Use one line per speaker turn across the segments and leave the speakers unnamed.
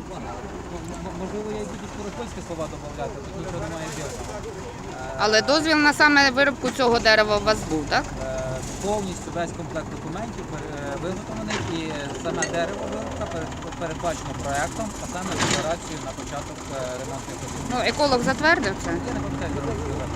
Можливо, я й буду скоропольські слова додати, тут нічого немає дивного.
Але дозвіл на саме виробку цього дерева у вас був, так?
Повністю весь комплект документів виготовлений і саме дерево виробка передбачено проєктом, а саме декларацією на початок ремонтних робіт.
Ну, еколог затвердив це.
Я не пам'ятаю, де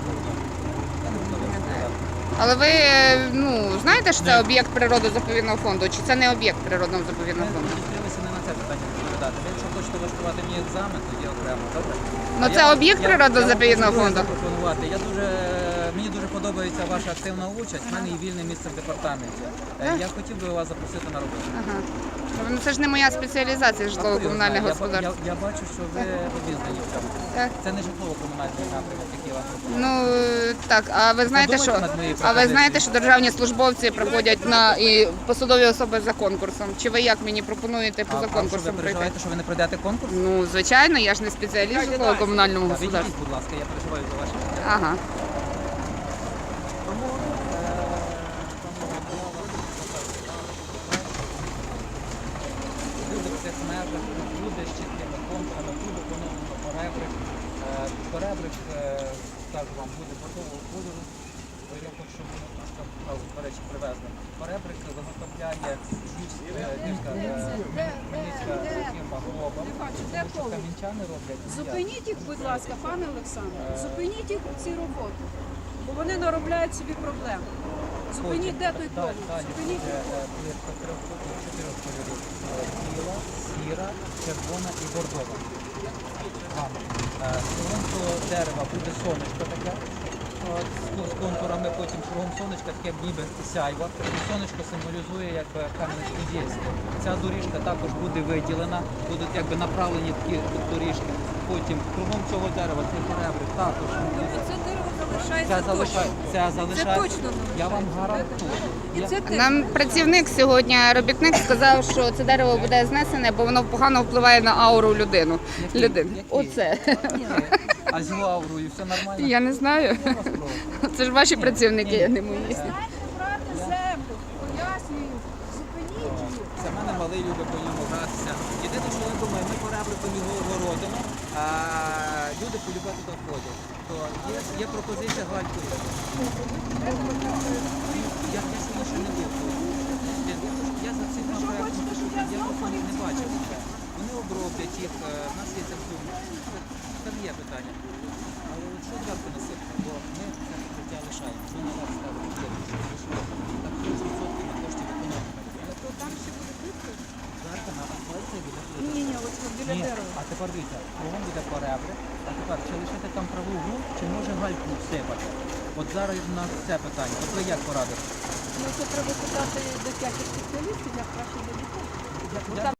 Але ви знаєте, що це об'єкт природо-заповідного фонду, чи це не об'єкт природного заповідного
Ми
фонду?
зустрілися не на це питання відповідати. Ви, якщо хочете влаштувати мені екзамен, тоді окремо, добре?
Ну, це об'єкт природо-заповідного фонду.
Мені дуже подобається ваша активна участь, в мене є вільне місце в департаменті. Я хотів би вас запросити на роботу.
Ага. Ну, це ж не моя спеціалізація, житлово-комунальне господарство.
Я бачу, що ви обізнані в цьому.
Так.
Це не житлово-комунальний напрямок, який вам пропонує.
Ну так, а ви знаєте, що державні службовці проходять і посадові особи за конкурсом? Чи ви як мені пропонуєте поза
А що,
конкурсом
ви
пройти?
переживаєте, що ви не пройдете конкурс?
Ну, звичайно, я ж не спеціаліст в житлово-комунальному господарстві.
Відійдіть, будь ласка, я переживаю за ваше життя.
Ага.
Тому люди в цих межах, люди з чіткими контурами, буде поновлено поребрик. Поребрик, скажу вам, буде готового кольору. Я хочу, щоб воно трошки, до речі, привезли. Поребрик виготовляє Хмельницька фірма Глоба. Камінчани роблять.
Зупиніть їх, будь ласка, пане Олександре, зупиніть їх ці роботи, бо вони наробляють собі проблем. Зупиніть, де той колір? Зупиніть.
Плитка чотирьох кольорів. Біла, сіра, червона і бордова. З того дерева буде сонечко таке. З контурами, потім кругом сонечка, таке ніби сяйво. Сонечко символізує якби Кам'янець-Подільське. Ця доріжка також буде виділена, будуть якби направлені такі доріжки. Потім кругом цього дерева цей поребрик також.
Це дерево залишається
Це
точно.
залишається.
Це точно
Я вам гарантую.
І це теж.
Нам працівник сьогодні, робітник, сказав, що це дерево буде знесене, бо воно погано впливає на ауру людини.
Який?
Оце.
А з його аурою все нормально?
Я не знаю.
Я вас прошу.
Це ж ваші працівники, а не мої.
Знаєте, брати землю, пояснюю, зупиніть їх.
Це в мене малий любить по ньому гратися. Єдине, що я думаю, ми поребриком його огородимо, а люди полюбити туди ходять. То є пропозиція галькові. Я сьогодні ще не був. Я за цим проєктом, я просто не бачив це. Вони оброблять їх, в нас є це все. Там є питання. Але от що зверху насипати, бо ми це життя лишаємо. Ми на вас ставимо. Так 30% на коштів економіки.
То там ще буде плитка?
Зверху на асфальті буде плитка.
Ні, ось біля
Ні,
дерева.
а тепер дивіться, кругом буде поребрик, а тепер чи лишити там траву ґрунт, чи може гальку всипати? От зараз у нас це питання. От ви як порадите?
Ну це треба питати дитячих спеціалістів, як краще для дітей.
Я